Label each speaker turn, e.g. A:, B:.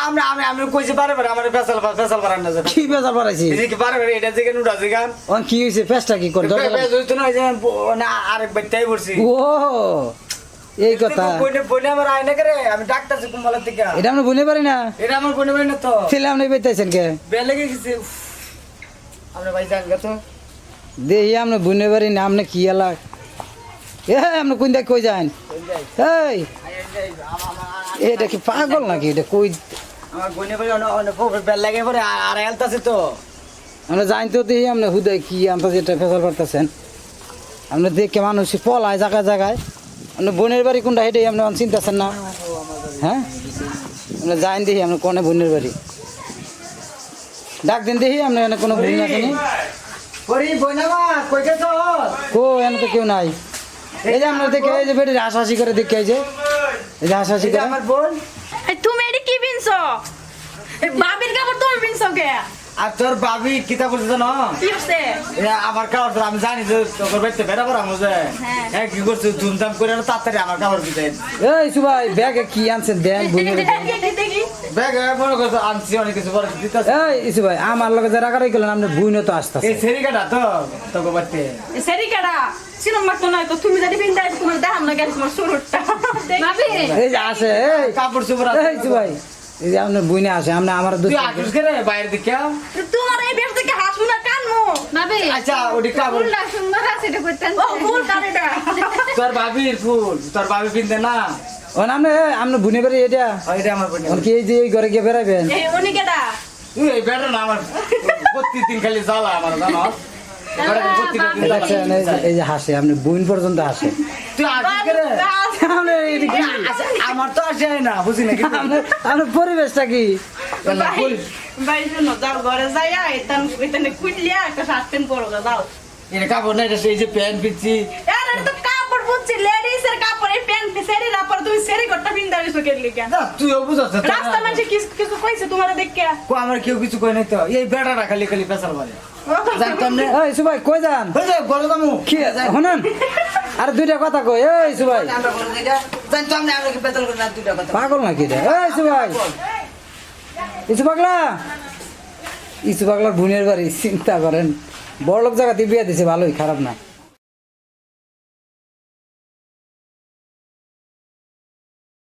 A: আমরা আমি আমি কইছি পারে আমার ফেসাল পারান না
B: কি বেজার বাড়াইছি
A: এই কি পারে এটা থেকে নুডা জিগান
B: অন কি হইছে ফেসটা কি করে
A: তো না যে না আরেক বাচ্চাই পড়ছি
B: ও এই কথা
A: বইনে বইনে আমার আয়না করে আমি ডাক্তার যে কুম্বালার থেকে
B: এটা আমরা বুঝতে পারি না
A: এটা আমার বইনে বইনে তো
B: ছেলে আপনি বেতাইছেন কে
A: বেল লেগে গেছে আমরা ভাই জান তো
B: দেহি আমরা বুঝতে পারি না আপনি কি এলাক এ আপনি কোন দেখ কই যান এই এটা কি পাগল নাকি এটা কই
A: আমার বইনে বইনে অনেক বেল লাগে পরে আর হেলতাছে তো
B: আমরা জানি তো দেহি আপনি হুদাই কি আমরা যেটা ফেসাল পারতেছেন আপনি দেখে মানুষ পলায় জায়গায় জায়গায় আপনি বোনের বাড়ি কোনটা হেঁটে আপনি চিন্তাছেন না হ্যাঁ আমরা জানি দেখি আপনি কোনে বোনের বাড়ি ডাক দিন দেখি আপনি এনে কোনো বোন আসেনি
A: পরি বইনামা কই গেছ
B: কো এনে তো কেউ নাই এই যে আমরা দেখে এই যে বেটি হাসাহাসি করে দেখে এই যে হাসাহাসি করে
A: আমার বোন
C: তুমি এটি কি বিনছো বাবির কাপড় তুমি বিনছো কে
A: আর তোর ভাবি কিতা বলছে জানো
C: কি হচ্ছে
A: আমার কাপড় আমি জানি যে তোর বাড়িতে বেড়া পড়া মুজে হ্যাঁ কি করছে ধুমধাম করে না তাড়াতাড়ি আমার কাপড় দিতে
B: এই সুভাই ব্যাগে কি আনছেন দেন বোনের
C: দেখি
A: ব্যাগ মনে করছো আনছি অনেক কিছু পরে দিতে
B: এই ইসু ভাই আমার লগে যারা কারাই গেলেন আপনি বুইনো তো আসতেছে
A: এই সেরিকাটা তো তোকে বাড়িতে
C: সেরিকাটা সিনেমা মারতো না তো তুমি যদি বিন্দাই তোমার দেখাম না গেছে তোমার শুরুটা ভাবি
B: এই যে আসে এই
A: কাপড় চোপড়
B: এই ইসু ভাই এই যে আপনার বুইনে আসে আমরা আমার
A: তুই আকিস করে বাইরে দিকে
C: তোমার এই বেশ থেকে হাসু না কানমু ভাবি
A: আচ্ছা ওটি কাপড়
C: ফুলটা সুন্দর আছে এটা করতেন ও ফুল কানেটা
A: তোর ভাবির ফুল তোর ভাবি পিনতে না
B: ও না আমরা বুনে পারি এটা
A: এটা আমার বোন
B: কি এই যে এই ঘরে গিয়ে বেড়াবেন
C: এই উনি কেডা
A: তুই এই বেটা না আমার প্রতিদিন খালি জ্বালা আমার জানো
B: দেখছেন এই যে হাসে আপনি বুইন পর্যন্ত হাসে
A: তুই আকিস করে
B: আপনি এই কি
A: আমার তো আসে না বুঝি না কিন্তু
B: আপনার পরিবেশটা কি
C: ভাই শুনো যাও ঘরে যাইয়া এতান এতানে কুইলিয়া একটা শার্ট প্যান্ট পরো যাও
A: এটা কাপড় না এটা সেই যে প্যান্ট পিচ্ছি
C: यार এটা তো কাপড় বুঝছি লেডিস এর কাপড় এই প্যান্ট সেরি না পর তুমি সেরি করতে বিন্দা দিছো কে লিখা
A: না তুইও বুঝছ
C: রাস্তা মানে কিছু কইছে তোমারে দেখকে
A: কো আমার কেউ কিছু কই নাই তো এই বেটাটা খালি খালি পেছাল মারে জানতাম না
B: এই সুভাই কই যান
A: ওই যে বলো দামু
B: কি শুনুন আর দুইটা কথা কই এই সুভাই
A: আমরা বলে দিটা জানতাম না আমরা কি পেছাল করে না দুইটা কথা
B: পাগল নাকি রে এই সুভাই ইসু পাগলা ইসু পাগলার বোনের বাড়ি চিন্তা করেন বড় লোক জায়গাতে বিয়ে দিছে ভালোই খারাপ না